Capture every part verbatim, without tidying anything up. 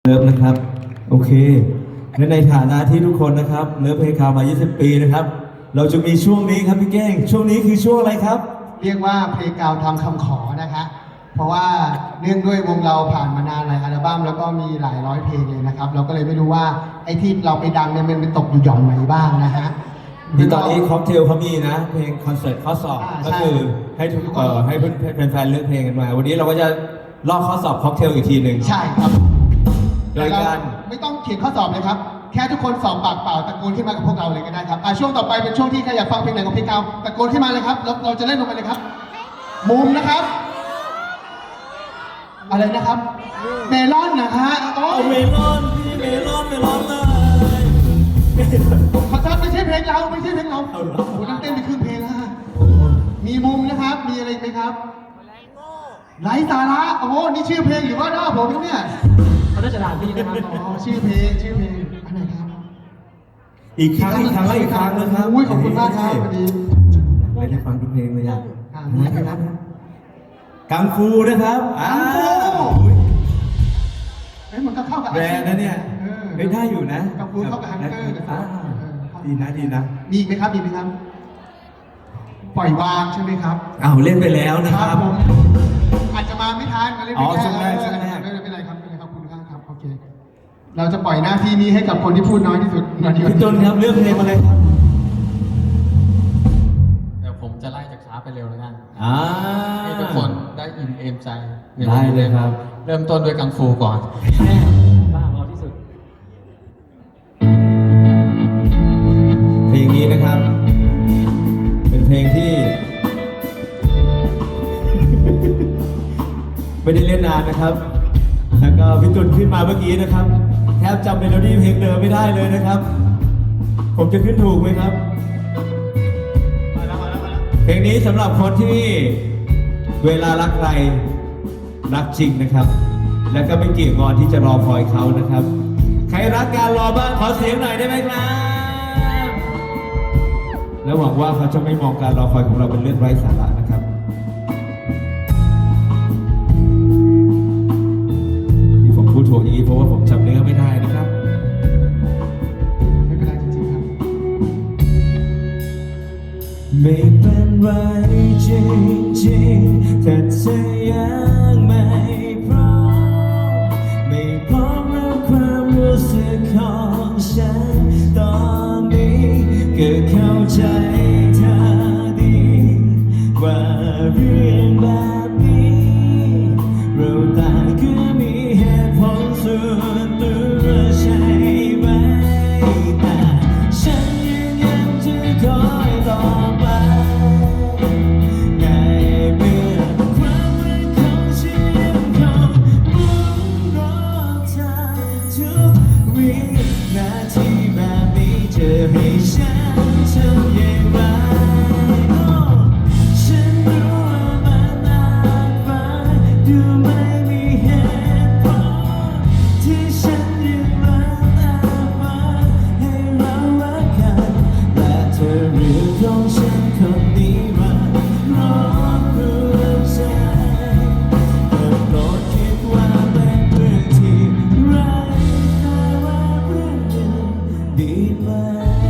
เลิฟนะครับโอเคและในฐานะที่ทุกคนนะครับเลิฟเพลงคาวมายี่สิบปีนะครับเราจะมีช่วงนี้ครับพี่แก้งช่วงนี้คือช่วงอะไรครับเรียกว่าเพลงกาวทำคำขอนะคะเพราะว่าเนื่องด้วยวงเราผ่านมานานหลายอัลบั้มแล้วก็มีหลายร้อยเพลงเลยนะครับเราก็เลยไม่รู้ว่าไอ้ที่เราไปดังเนี่ยมันไปตกอยู่หย่อมไหนบ้างนะฮะที่ตอนนี้ค็อกเทลเขามีนะเพลงคอนเสิร์ตข้อสอบก็คือให้ทุกเอ่อให้แฟนๆเลือกเพลงกันมาวันนี้เราก็จะลอกข้อสอบค็อกเทลอีกทีหนึ่งใช่ครับโดยการไม่ต้องเขียนข้อสอบเลยครับแค่ทุกคนสอบปากเปล่าตะโกนขึ้นมากับพวกเราเลยก็ได้ครับช่วงต่อไปเป็นช่วงที่ใครอยากฟังเพลงไหนของเพลงเก่าตะโกนขึ้นมาเลยครับเราเราจะเล่นลงไปเลยครับมุมนะครับอะไรนะครับเมลอนนะฮะโอ้เมลอนพี่เมลอนเมลอนเลยขอโทษไม่ใช่เพลงเราไม่ใช่เพลงเราโอ้โหนั่งเต้นไปครึ่งเพลงแล้วฮะมีมุมนะครับมีอะไรไหมครับไร้สาระโอ้โหนี่ชื่อเพลงหรือว่าหน้าผมเนี่ยเขาจะด่าพี่นะครับอ๋อชื่อเพลงชื่อเพลงอันไหนครับอีกครั้งอีกครั้งและอีกครั้งนะครับอุ้ยขอบคุณมากครับวันนี้ไม่ได้ฟังทุกเพลงเลยอ่ะนะครับกังฟูนะครับกังฟูเฮ้ยมันก็เข้ากับแบรนด์นะเนี่ยไม่ได้อยู่นะกังฟูเข้ากับฮันเตอร์ดีนะดีนะมีอีกไหมครับมีไหมครับปล่อยวางใช่ไหมครับอ้าวเล่นไปแล้วนะครับผมอาจจะมาไม่ทันมาเล่นไม่ได้ช่วงแรกช่วงแรกไม่เป็นไรครับไม่เป็นไรครับคุณข้างครับโอเคเราจะปล่อยหน้าที่นี้ให้กับคนที่พูดน้อยที่สุดพี่ต้นครับเลือกเพลงมาเลยครับเดี๋ยวผมจะไล่จากช้าไปเร็วแล้วกันให้ทุกคนได้อิ่มเอมใจได้เลยครับเริ่มต้นด้วยกังฟูก่อนบ้าพอที่สุดเพลงนี้นะครับเป็นเพลงที่ไม่ได้เล่นนานนะครับแล้วก็พี่ตุลขึ้นมาเมื่อกี้นะครับแทบจำเมโลดี้เพลงเดิมไม่ได้เลยนะครับผมจะขึ้นถูกไหมครับเพลงนี้สำหรับคนที่เวลารักใครรักจริงนะครับแล้วก็ไม่เกี่ยงงอนที่จะรอคอยเขานะครับใครรักการรอบ้างขอเสียงหน่อยได้ไหมครับและหวังว่าเขาจะไม่มองการรอคอยของเราเป็นเรื่องไร้สาระนะครับที่ผมพูดถูกอย่างนี้เพราะว่าผมจำเนื้อไม่ได้นะครับไม่เป็นไรจริงๆครับไม่เป็นไรจริงๆแต่เธอยังไม่พร้อมไม่พร้อมแล้วความรู้สึกของฉันตอนนี้ก็เข้าใจเธอดีว่าเรื่องแบบนี้เราต่างก็มีเหตุผลส่วนตัวใช่ไหมแต่ฉันยืนยันจะคอยต่อไปในเมื่อความรักของฉันยังคงมุ่งรอเธอทุกวินาทีแบบนี้จะให้ฉันทำอย่างไรฉันรู้ว่ามันอาจฟังดูไม่มีเหตุผลที่ฉันยังรักแต่ฝันให้เรารักกันและเธอเรื่องของฉันคนนี้มันรบกวนใจแต่โปรดคิดว่าเป็นเรื่องที่ไร้ค่าว่าเรื่องหนึ่งดีไหม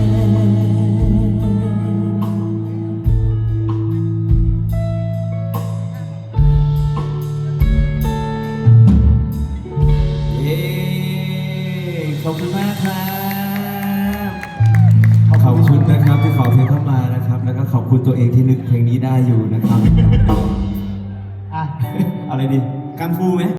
ขอบคุณมากครับขอบคุณนะครับที่ขอเพลงเข้ามานะครับแล้วก็ขอบคุณตัวเองที่นึกเพลงนี้ได้อยู่นะครับอะไรดีกังฟูไหม